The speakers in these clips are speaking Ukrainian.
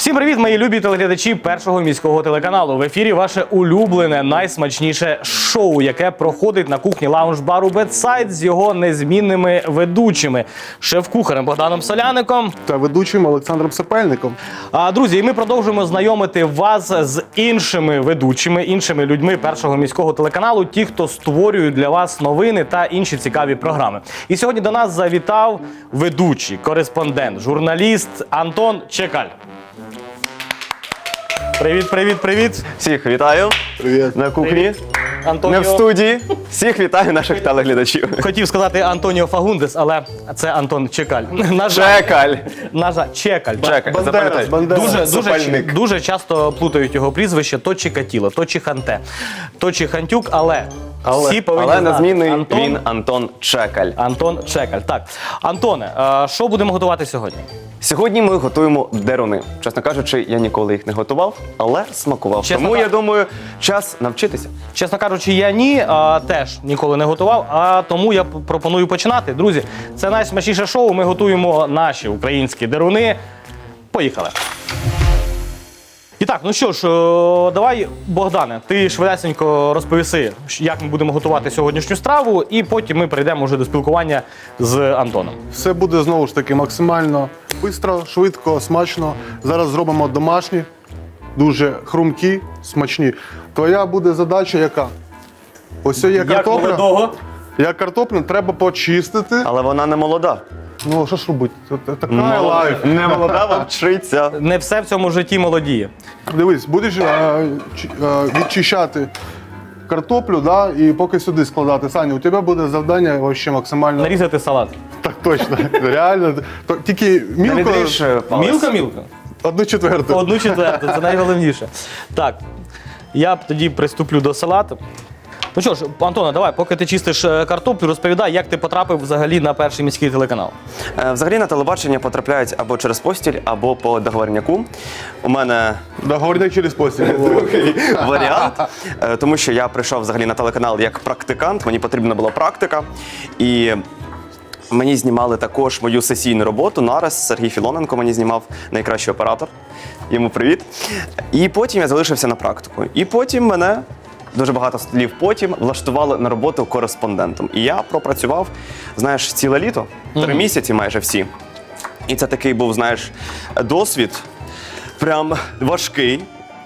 Всім привіт, мої любі телеглядачі Першого міського телеканалу. В ефірі ваше улюблене, найсмачніше шоу, яке проходить на кухні лаунж-бару Бедсайд з його незмінними ведучими. Шеф-кухарем Богданом Соляником та ведучим Олександром Сапельником. Друзі, і ми продовжуємо знайомити вас з іншими ведучими, іншими людьми Першого міського телеканалу, ті, хто створюють для вас новини та інші цікаві програми. І сьогодні до нас завітав ведучий, кореспондент, журналіст Антон Чекаль. Привіт, привіт, привіт. Всіх вітаю. Привіт. На кухні. Антоніо. Не в студії. Всіх вітаю наших телеглядачів. Хотів сказати Антоніо Фагундес, але це Антон Чекаль. Чекаль. Чекаль. Чекаль. Запам'ятай. Сапельник. Дуже часто плутають його прізвище то Чикатіло, то Чиханте, то Чихантюк, але всі повинні Але знати. незмінний він Антон Чекаль. Антон Чекаль. Так. Антоне, що будемо готувати сьогодні? Сьогодні ми готуємо деруни. Чесно кажучи, я ніколи їх не готував, але смакував. Тому, я думаю, час навчитися. Чесно кажучи, я теж ніколи не готував, а тому я пропоную починати. Друзі, це найсмачніше шоу, ми готуємо наші українські деруни. Поїхали! І так, ну що ж, давай, Богдане, ти швидесенько розповіси, як ми будемо готувати сьогоднішню страву, і потім ми перейдемо вже до спілкування з Антоном. Все буде знову ж таки максимально швидко, швидко, смачно. Зараз зробимо домашні, дуже хрумкі, смачні. Твоя буде задача яка? Ось є картопля. молодого. Як картоплю треба почистити. Але вона не молода. Ну, що ж робити? Це така лайф. Не молода, вчиться. Не все в цьому житті молодіє. Дивись, будеш відчищати картоплю, да, і поки сюди складати. Саня, у тебе буде завдання вообще максимально... Нарізати салат. Так точно, реально. Тільки Не мілко, відріж палець. Мілко-мілко? 1/4. 1/4, це найголовніше. Так, я тоді приступлю до салату. Ну що ж, Антоне, давай, поки ти чистиш картоплю, розповідай, як ти потрапив взагалі на Перший міський телеканал. Взагалі на телебачення потрапляють або через постіль, або по договорняку. У мене Договорник через постіль. варіант, тому що я прийшов взагалі на телеканал як практикант, мені потрібна була практика. І мені знімали також мою сесійну роботу. Нараз Сергій Філоненко мені знімав, найкращий оператор. Йому привіт. І потім я залишився на практику. І потім мене, дуже багато слів потім, влаштували на роботу кореспондентом. І я пропрацював, знаєш, ціле літо, 3 місяці майже всі. І це такий був, знаєш, досвід прям важкий.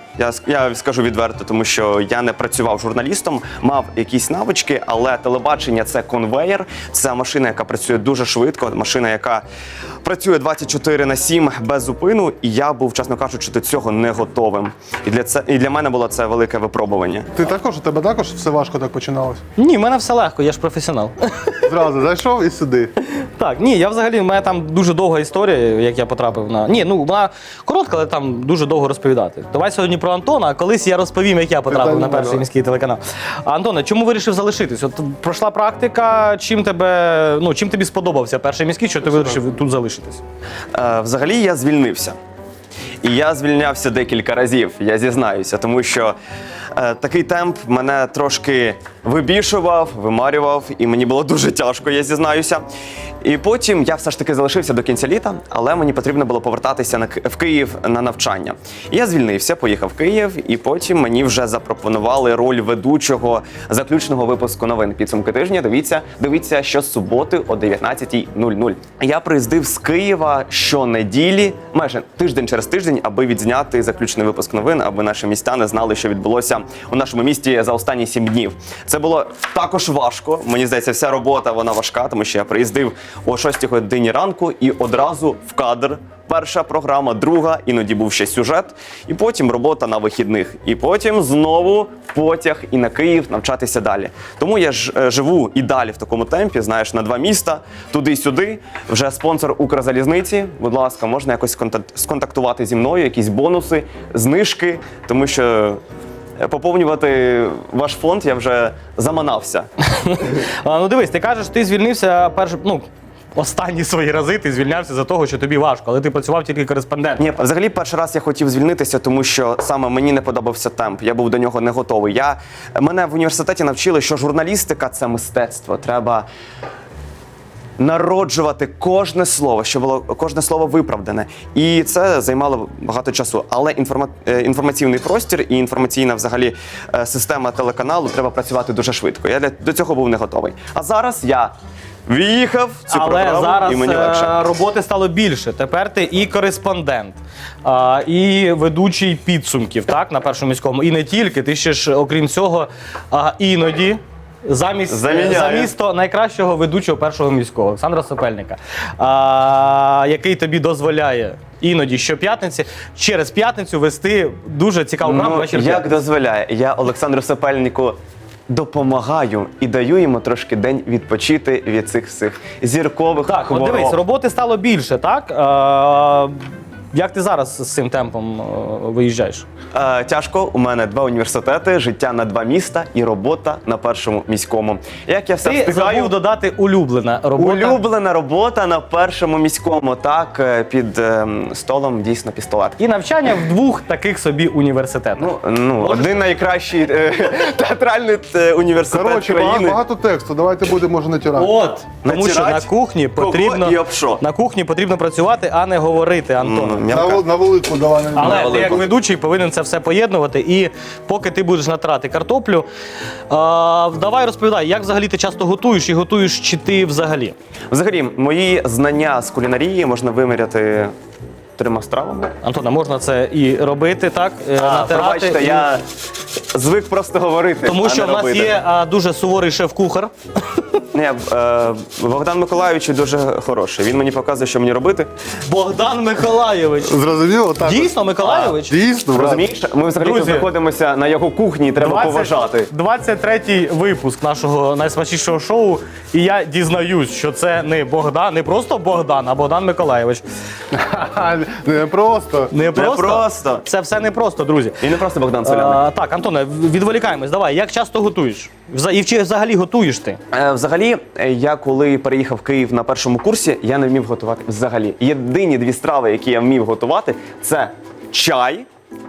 Я скажу відверто, тому що я не працював журналістом, мав якісь навички, але телебачення – це конвеєр, це машина, яка працює дуже швидко, машина, яка працює 24/7 без зупину, і я був, чесно кажучи, до цього не готовим. І для мене було це велике випробування. Ти також, у тебе також все важко так починалось? Ні, в мене все легко, я ж професіонал. Зразу зайшов і сюди. Так, ні, я взагалі, в мене там дуже довга історія, як я потрапив на... Ні, ну, вона коротка, але там дуже довго розповідати. Давай сьогодні про Антона, а колись я розповім, як я потрапив на Перший міський телеканал. Антоне, чому вирішив залишитись? От пройшла практика, чим тобі сподобався Перший міський, що ти вирішив тут залишитись? Взагалі я звільнився. І я звільнявся декілька разів, я зізнаюся, тому що такий темп мене трошки вибішував, вимарював, і мені було дуже тяжко, я зізнаюся. І потім я все ж таки залишився до кінця літа, але мені потрібно було повертатися в Київ на навчання. І я звільнився, поїхав в Київ, і потім мені вже запропонували роль ведучого заключного випуску новин «Підсумки тижня». Дивіться щосуботи о 19:00. Я приїздив з Києва щонеділі, майже тиждень через тиждень, аби відзняти заключний випуск новин, аби наші містяни знали, що відбулося у нашому місті за останні 7 днів. Це було також важко. Мені здається, вся робота вона важка, тому що я приїздив о 6 годині ранку і одразу в кадр. Перша програма, друга, іноді був ще сюжет, і потім робота на вихідних. І потім знову потяг і на Київ навчатися далі. Тому я живу і далі в такому темпі, знаєш, на 2 міста, туди-сюди. Вже спонсор Укрзалізниці, будь ласка, можна якось сконтактувати зі мною, якісь бонуси, знижки, тому що поповнювати ваш фонд я вже заманався. Ну дивись, ти кажеш, ти звільнився останні свої рази ти звільнявся за того, що тобі важко, але ти працював тільки кореспондентом. Ні, взагалі перший раз я хотів звільнитися, тому що саме мені не подобався темп, я був до нього не готовий. Мене в університеті навчили, що журналістика – це мистецтво, треба народжувати кожне слово, щоб було кожне слово виправдане. І це займало багато часу. Але інформаційний простір і інформаційна взагалі система телеканалу треба працювати дуже швидко. Я до цього був не готовий. А зараз я в'їхав в цю Але програму, зараз і мені легше. роботи стало більше. Тепер ти і кореспондент, і ведучий підсумків, так, на Першому міському. І не тільки, ти ще ж, окрім цього, іноді Заміняю. замість найкращого ведучого Першого міського Олександра Сопельника, який тобі дозволяє іноді щоп'ятниці, через п'ятницю вести дуже цікаву програму «Вечір як п'ятниці». дозволяє, я Олександру Сапельнику допомагаю і даю йому трошки день відпочити від цих всіх зіркових Так, от хвороб. дивись, роботи стало більше, так? Як ти зараз з цим темпом виїжджаєш? Тяжко, у мене 2 університети, життя на 2 міста і робота на Першому міському. Як я все Ти встигаю? забув додати улюблена робота. Улюблена робота на Першому міському, так, під столом дійсно пістолет. І навчання в 2 таких собі університетах. Один найкращий театральний університет Коротше, країни. багато тексту, давайте будемо може натирати. От, тому що Натирать? на кухні Кого потрібно і об що? на кухні потрібно працювати, а не говорити, Антон. На велику давай. Але ти як ведучий повинен це все поєднувати. І поки ти будеш натирати картоплю, давай розповідай, як взагалі ти часто готуєш і готуєш чи ти взагалі? Взагалі, мої знання з кулінарії можна виміряти 3 стравами. Антона, можна це і робити, так? Натирати. Пробачте, і- я звик просто говорити, Тому а що не в нас робити. є дуже суворий шеф-кухар. Ні, Богдан Миколайович дуже хороший. Він мені показує, що мені робити. Богдан Миколайович. Зрозуміло? Так. Дійсно, Миколайович? Дійсно, брат. Розумієш? Ми взагалі тут Друзі, знаходимося на його кухні і треба поважати. 23-й випуск нашого найсмачнішого шоу. І я дізнаюсь, що це не Богдан, не просто Богдан, а Богдан Миколайович. Не просто. Не просто. просто. Це все не просто, друзі. І не просто Богдан Соляник. Так, Антоне, відволікаємось. Давай, як часто готуєш? І чи взагалі готуєш ти? Взагалі, я коли переїхав в Київ на першому курсі, я не вмів готувати взагалі. Єдині 2 страви, які я вмів готувати, це чай,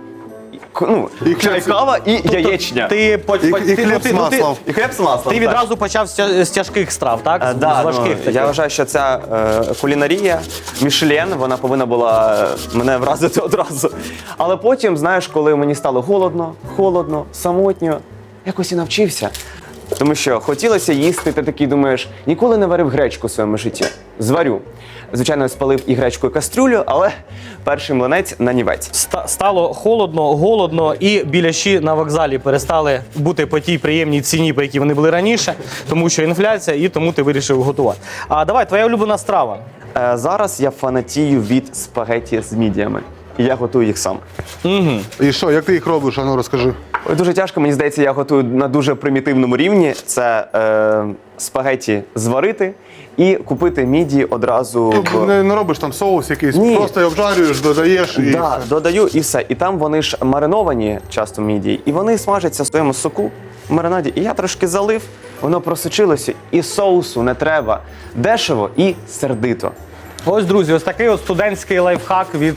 І чай, хліб. кава і яєчня. Ти хліб з маслом. І хліб з маслом. Ти так. відразу почав з тяжких страв, так? З Да, важких таких. я вважаю, що ця кулінарія, Мішлен, вона повинна була мене вразити одразу. Але потім, знаєш, коли мені стало холодно, самотньо, якось і навчився. Тому що хотілося їсти, ти такий думаєш, ніколи не варив гречку в своєму житті. Зварю. Звичайно, спалив і гречку, і кастрюлю, але перший млинець на нівець. Стало холодно, голодно, і біляші на вокзалі перестали бути по тій приємній ціні, по якій вони були раніше, тому що інфляція, і тому ти вирішив готувати. А давай, твоя улюблена страва. Зараз я фанатію від спагетті з мідіями. І я готую їх сам. І що, як ти їх робиш? Ану, розкажи. Ой, дуже тяжко, мені здається, я готую на дуже примітивному рівні. Це спагетті зварити і купити мідії одразу в... Не робиш там соус якийсь, Ні. просто її обжарюєш, додаєш і... Да, додаю і все. І там вони ж мариновані часто мідії, і вони смажаться в своєму соку в маринаді. І я трошки залив, воно просочилося, і соусу не треба. Дешево і сердито. Ось, друзі, ось такий от студентський лайфхак від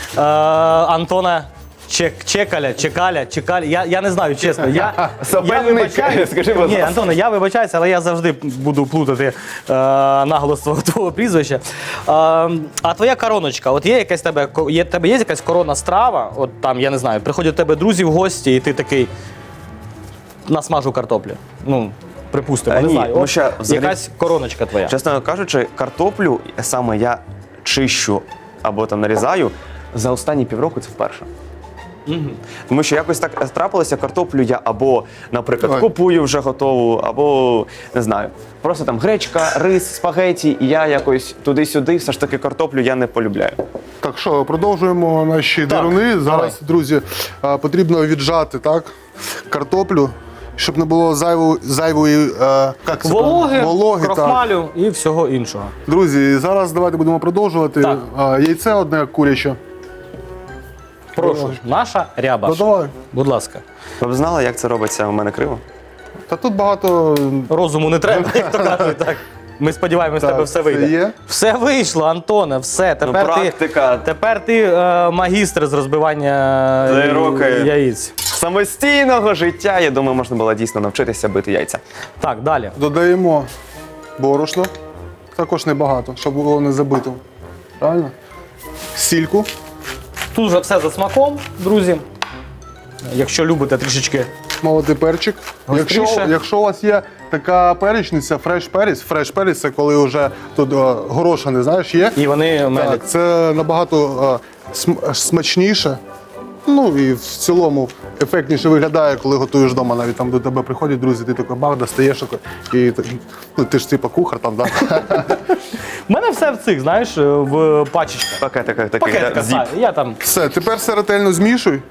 Антона Чекаля. Я не знаю, чесно. Я Сопельник, вибачаюсь. скажи, будь Ні, ласка. Антоне, я вибачаюся, але я завжди буду плутати наголос твого прізвища. А твоя короночка, от є якась тебе є якась коронна страва? От там, я не знаю, приходять до тебе друзі в гості, і ти такий насмажу картоплю. Ну, припустимо, не Ні, знаю. тому От що взагалі- якась короночка твоя. Чесно кажучи, картоплю саме я чищу або там нарізаю за останні півроку це вперше. Тому що якось так трапилося, картоплю я або, наприклад, Ой. купую вже готову, або, не знаю, просто там гречка, рис, спагеті, і я якось туди-сюди, все ж таки картоплю я не полюбляю. Так що, продовжуємо наші деруни. Зараз, друзі, потрібно віджати, так, картоплю, щоб не було зайвої як це Вологи, вологи, так. крохмалю і всього іншого. Друзі, зараз давайте будемо продовжувати. Так. Яйце одне куряче. Прошу, наша ряба. Ну, давай. Будь ласка. Ви б знали, як це робиться у мене криво? Та тут багато... Розуму не треба, як то кажуть. Так. Ми сподіваємось, Так, тебе все все вийде. є? Все вийшло, Антоне, все. практика. Тепер ти магістр з розбивання роки. яєць. Самостійного життя, я думаю, можна було дійсно навчитися бити яйця. Так, далі. Додаємо борошно. також небагато, щоб було не забито. Правильно? Сільку. Тут вже все за смаком, друзі. Якщо любите трішечки. Молотий перчик. Гостріше. Якщо у вас є така перечниця, фреш перець, це коли вже тут горошини, знаєш, є. І вони мелять. Так, це набагато смачніше. Ну і в цілому ефектніше виглядає, коли готуєш вдома. Навіть там до тебе приходять друзі, ти такий бах, достаєш, і ну, ти ж типа кухар там, так? У мене все в цих, знаєш, в пачечках. Пакетиках таких, Пакетика, зіп. я там. Все, тепер все ретельно змішуй.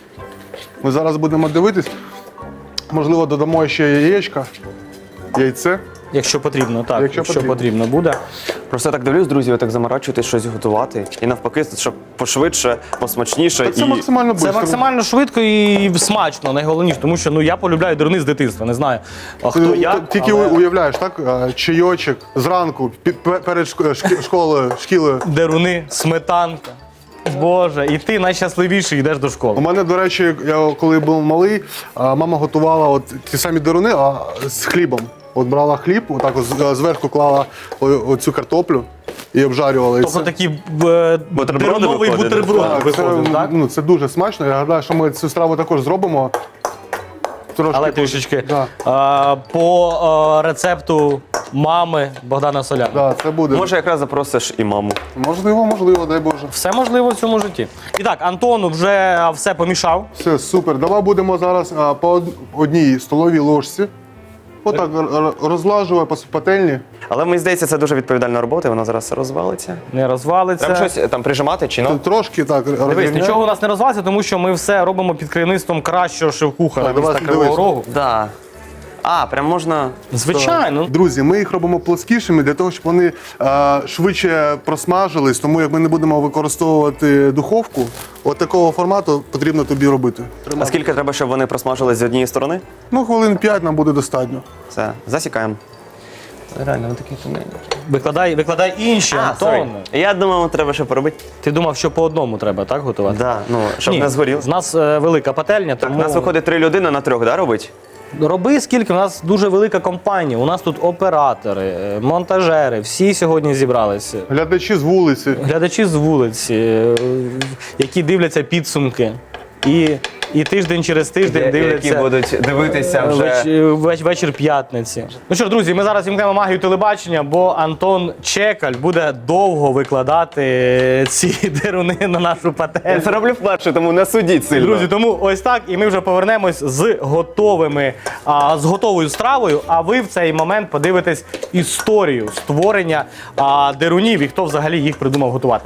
Ми зараз будемо дивитись. Можливо, додамо ще яєчка, яйце. Якщо потрібно, так. Якщо потрібно буде. Просто так дивлюсь, друзі, ви так заморачуєтесь щось готувати. І навпаки, щоб пошвидше, посмачніше. Це максимально Це швидко. максимально швидко і смачно, найголовніше, тому що я полюбляю деруни з дитинства, не знаю, хто як. Тільки але уявляєш, так? Чайочок зранку, перед шкілою. деруни, сметанка. Боже, і ти найщасливіший йдеш до У школи. мене, до речі, я коли був малий, мама готувала от ті самі деруни, а з хлібом. От брала хліб, отак от зверху клала оцю картоплю і обжарювала. Тобто такий деруновий виходять, бутерброд Так, виходить, так? ну, це дуже смачно. Я гадаю, що ми цю страву також зробимо. Трошки Але трішечки Да. по рецепту мами Богдана Соляна. Да, це буде. Може, якраз запросиш і маму. Можливо, дай Боже. Все можливо в цьому житті. І так, Антону вже все помішав. Все, супер. Давай будемо зараз по одній столовій ложці. Отак розлажувати по пательні. Але мені здається, це дуже відповідальна робота, і вона зараз розвалиться. Не розвалиться. Треба щось там прижимати чи ну? Трошки так Дивись, розрівняй. нічого у нас не розвалиться, тому що ми все робимо під керівництвом кращого шеф-кухаря Так, міста давай, Кривого дивись. Рогу. Да. А, прям можна. Звичайно. Друзі, ми їх робимо плоскішими для того, щоб вони швидше просмажились. Тому як ми не будемо використовувати духовку, от такого формату потрібно тобі робити. А скільки треба, щоб вони просмажились з однієї сторони? Ну, хвилин 5 нам буде достатньо. Все, засікаємо. Реально, вони такі тоненькі. Викладай інші, Антон. Я думав, треба ще поробити. Ти думав, що по одному треба, так, готувати? Да, ну, щоб Ні, не згоріло. з нас велика пательня, Так, тому у нас виходить 3 людини на 3, да, робить? роби скільки, у нас дуже велика компанія. У нас тут оператори, монтажери, всі сьогодні зібралися. Глядачі з вулиці. Глядачі з вулиці, які дивляться підсумки. І тиждень через тиждень дивляться. Які будуть дивитися вже. Вечір п'ятниці. Ну що ж, друзі, ми зараз вімкнемо магію телебачення, бо Антон Чекаль буде довго викладати ці деруни на нашу Я пательню. це роблю вперше, тому не судіть сильно. Друзі, тому ось так, і ми вже повернемось з готовою стравою. А ви в цей момент подивитесь історію створення дерунів і хто взагалі їх придумав готувати.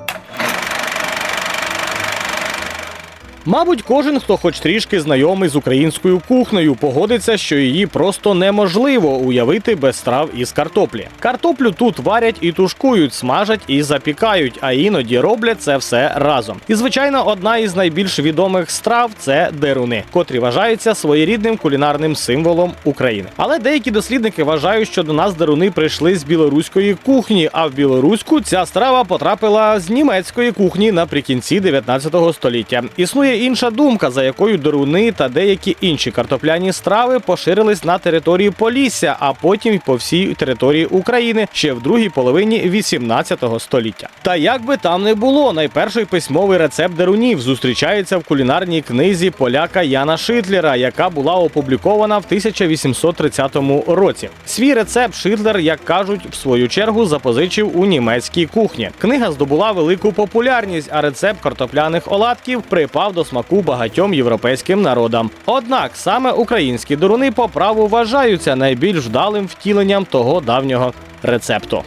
Мабуть, кожен, хто хоч трішки знайомий з українською кухнею, погодиться, що її просто неможливо уявити без страв із картоплі. Картоплю тут варять і тушкують, смажать і запікають, а іноді роблять це все разом. І, звичайно, одна із найбільш відомих страв – це деруни, котрі вважаються своєрідним кулінарним символом України. Але деякі дослідники вважають, що до нас деруни прийшли з білоруської кухні, а в білоруську ця страва потрапила з німецької кухні наприкінці 19 століття. Існує інша думка, за якою деруни та деякі інші картопляні страви поширились на території Полісся, а потім й по всій території України ще в другій половині 18 століття. Та як би там не було, найперший письмовий рецепт дерунів зустрічається в кулінарній книзі поляка Яна Шитлера, яка була опублікована в 1830 році. Свій рецепт Шитлер, як кажуть, в свою чергу запозичив у німецькій кухні. Книга здобула велику популярність, а рецепт картопляних оладків припав до смаку багатьом європейським народам. Однак саме українські деруни по праву вважаються найбільш вдалим втіленням того давнього рецепту.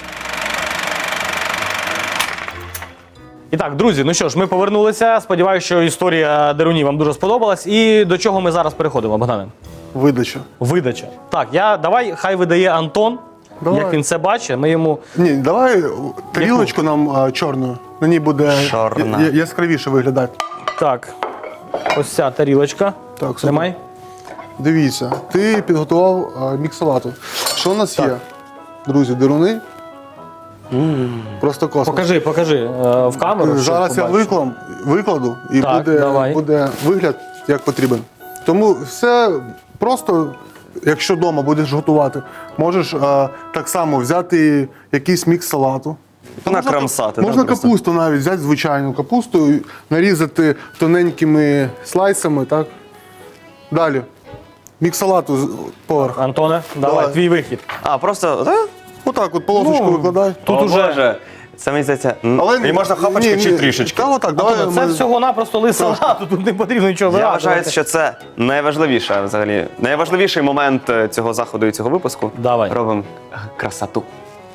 І так, друзі, ну що ж, ми повернулися. Сподіваюся, що історія дерунів вам дуже сподобалась. І до чого ми зараз переходимо, Богдане? Видача. Видача. Так, давай, хай видає Антон, Давай. як він це бачить. Ми йому... Ні, давай тарілочку нам чорну. На ній буде Чорна. яскравіше виглядати. Так, ось ця тарілочка. Так, супер. Тримай. Дивіться, ти підготував мікс салату. Що у нас є? Друзі, деруни. Просто космос. Покажи в камеру. щоб Зараз я побачили. викладу і Так, давай. буде вигляд як потрібен. Тому все просто якщо вдома будеш готувати, можеш так само взяти якийсь мікс салату. Накрамсати. Можна да, просто. капусту навіть взяти звичайну капусту, і нарізати тоненькими слайсами, так? Далі. Мікс салату поверх. Антоне, давай, Давай. твій вихід. А, просто. Отак от полосочку викладай. Тут уже Боже, це мені здається. Але І можна хапочку чи трішечки. Та отак, давай. Антоне, це ми- всього-напросто лист салату, тут не потрібно нічого Я вигадувати. вважаю, що це найважливіше взагалі. Найважливіший момент цього заходу і цього випуску. Давай. Робимо красоту.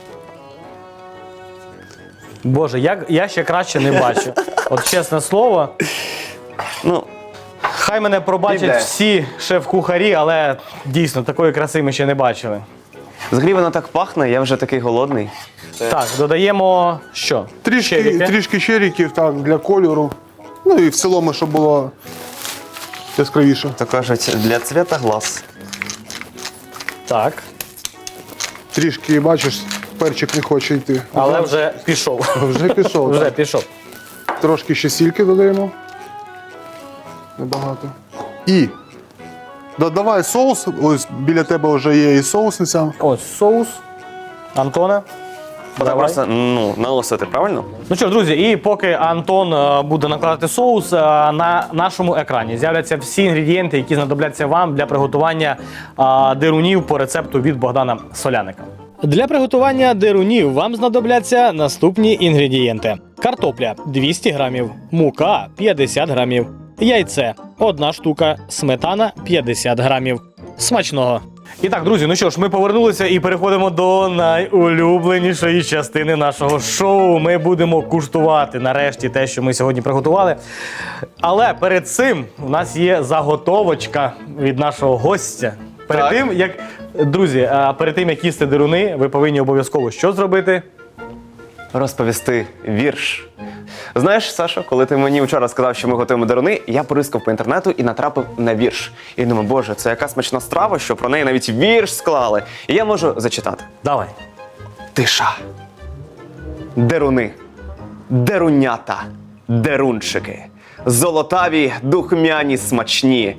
Боже, я ще краще не бачу. От чесне слово, Ну, хай мене пробачать Іде. всі шеф-кухарі, але дійсно такої краси ми ще не бачили. взагалі воно так пахне, я вже такий голодний. Так, додаємо що? Черіки. Трішки черіків так, для кольору. Ну і в цілому, щоб було яскравіше. То кажуть, для цвіта глаз. Так, Трішки, бачиш, перчик не хоче йти. але вже пішов. Вже пішов. Вже так. пішов. Трошки ще сільки додаємо. Небагато. І додавай соус. Ось біля тебе вже є і соусниця. Ось соус. Антоне. Треба Давай. просто наголосити, правильно? Ну що ж, друзі, і поки Антон буде накладати соус, на нашому екрані з'являться всі інгредієнти, які знадобляться вам для приготування дирунів по рецепту від Богдана Соляника. Для приготування дирунів вам знадобляться наступні інгредієнти: картопля 200 грамів, мука 50 грамів, яйце 1 штука, сметана 50 грамів. Смачного! І так, друзі, ну що ж, ми повернулися і переходимо до найулюбленішої частини нашого шоу. Ми будемо куштувати нарешті те, що ми сьогодні приготували. Але перед цим у нас є заготовочка від нашого гостя. Перед тим, як, друзі, перед тим, як їсти дируни, ви повинні обов'язково що зробити? Розповісти вірш. Знаєш, Сашо, коли ти мені вчора сказав, що ми готуємо дируни, я порискав по інтернету і натрапив на вірш. І думаю, боже, це яка смачна страва, що про неї навіть вірш склали. І я можу зачитати. Давай. Тиша. Деруни. Дерунята. Дерунчики. Золотаві, духмяні, смачні.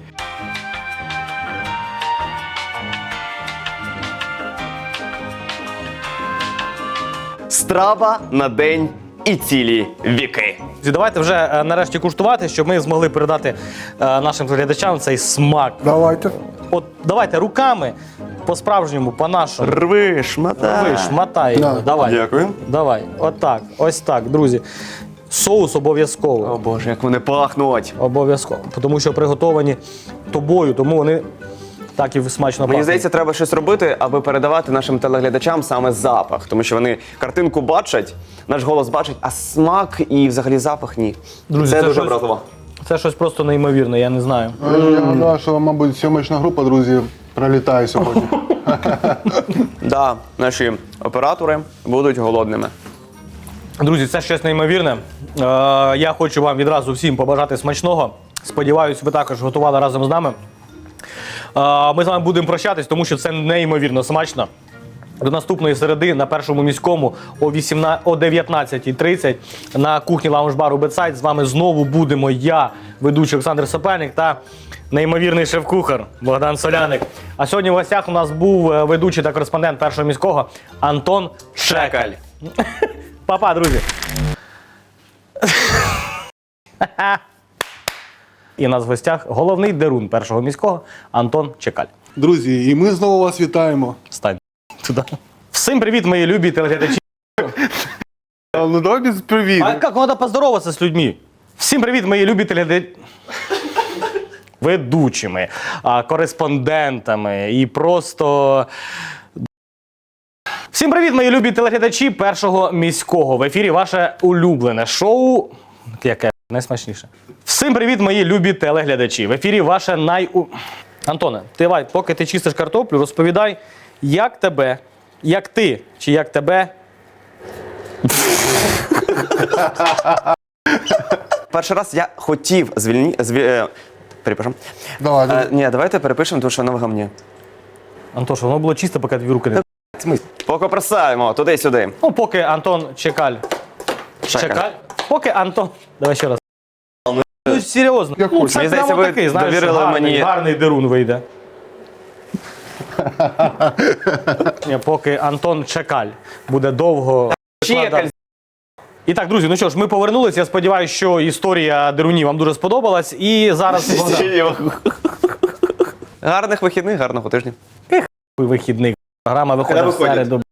Страва на день і цілі віки. Давайте вже нарешті куштувати, щоб ми змогли передати нашим глядачам цей смак. Давайте. От давайте руками, по-справжньому, по-нашому. Рви, шматай. Ви шматай його. Да. Давай. Дякую. Давай. Отак. Ось так, друзі. Соус обов'язково. О боже, як вони пахнуть. Обов'язково. Тому що приготовані тобою, тому вони так і смачно Мені пахнуть. здається, треба щось робити, аби передавати нашим телеглядачам саме запах. Тому що вони картинку бачать, наш голос бачать, а смак і взагалі запах ні. Друзі, це це дуже щось- образливо. Це щось просто неймовірне, я не знаю. Я гадаю, що, мабуть, сьомична група, друзі, пролітає сьогодні. Да, наші оператори будуть голодними. Друзі, це щось неймовірне. Я хочу вам відразу всім побажати смачного. Сподіваюсь, ви також готували разом з нами. Ми з вами будемо прощатись, тому що це неймовірно смачно. До наступної середи на Першому міському о 19:30 на кухні лаунж-бару Бетсайд. З вами знову будемо я, ведучий Олександр Сапельник та неймовірний шеф-кухар Богдан Соляник. А сьогодні в гостях у нас був ведучий та кореспондент Першого міського Антон Шекаль. Па-па, друзі! І у нас в гостях головний дерун Першого міського Антон Чекаль. Друзі, і ми знову вас вітаємо. Стань туди. Всім привіт, мої любі телеглядачі. Ну давай без привіт. А як треба поздороватися з людьми? Всім привіт, мої любі телеглядачі. Ведучими, кореспондентами і просто. Всім привіт, мої любі телеглядачі Першого міського. В ефірі ваше улюблене шоу. Яке найсмачніше. Всім привіт, мої любі телеглядачі. В ефірі ваше Антоне, давай, поки ти чистиш картоплю, розповідай, як тебе, як ти, чи як тебе. Перший раз я хотів перепишемо. Давай. Ні, давайте перепишемо, тому що воно в гамні. Антош, воно було чисто, поки дві руки не. Поки просаємо, туди-сюди. Ну, поки Антон Чекаль. Чекаль. Поки Антон. Давай ще раз. Ну, серйозно. Як Ну, хочеш. це Мені здається, прямо ви такий, знаєш, довірили гарний, мені- гарний дерун вийде. Поки Антон Чекаль буде довго. Чекаль. І так, друзі, ну що ж, ми повернулися. Я сподіваюся, що історія дерунів вам дуже сподобалась. І зараз Гарних вихідних, гарного тижня. вихідний. Програма виходить в Виходять. середу.